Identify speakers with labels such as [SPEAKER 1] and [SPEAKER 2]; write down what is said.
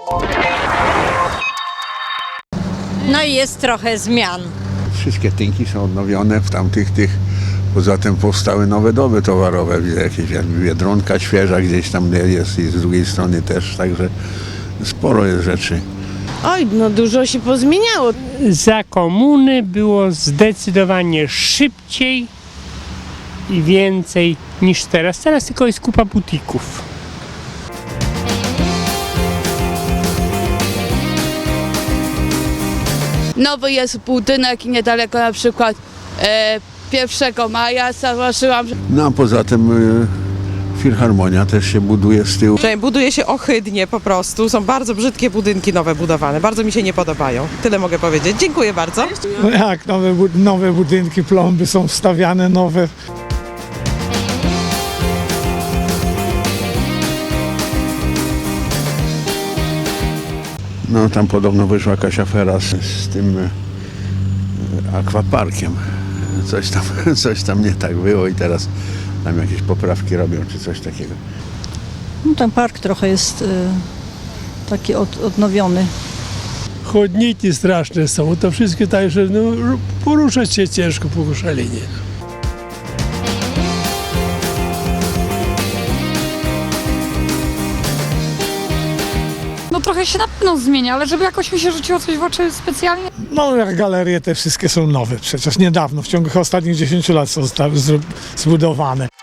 [SPEAKER 1] No i jest trochę zmian.
[SPEAKER 2] Wszystkie tynki są odnowione w tamtych poza tym powstały nowe doby towarowe, widzę jakieś Biedronka świeża gdzieś tam jest i z drugiej strony też, także sporo jest rzeczy.
[SPEAKER 3] Oj, no dużo się pozmieniało.
[SPEAKER 4] Za komuny było zdecydowanie szybciej i więcej niż teraz. Teraz tylko jest kupa butików.
[SPEAKER 5] Nowy jest budynek niedaleko na przykład 1 maja, zauważyłam, że
[SPEAKER 2] No a poza tym filharmonia też się buduje z tyłu.
[SPEAKER 6] Buduje się ohydnie po prostu. Są bardzo brzydkie budynki nowe budowane. Bardzo mi się nie podobają. Tyle mogę powiedzieć. Dziękuję bardzo.
[SPEAKER 7] No jak nowe budynki, plomby są wstawiane nowe.
[SPEAKER 2] No tam podobno wyszła jakaś afera z tym akwaparkiem. Coś tam nie tak było i teraz tam jakieś poprawki robią czy coś takiego.
[SPEAKER 8] No, ten park trochę jest taki odnowiony.
[SPEAKER 9] Chodniki straszne są, to wszystkie tak, że poruszać się ciężko po Koszalinie.
[SPEAKER 10] No trochę się na pewno zmienia, ale żeby jakoś mi się rzuciło coś w oczy specjalnie.
[SPEAKER 7] No jak galerie te wszystkie są nowe, przecież niedawno, w ciągu ostatnich 10 lat są zbudowane.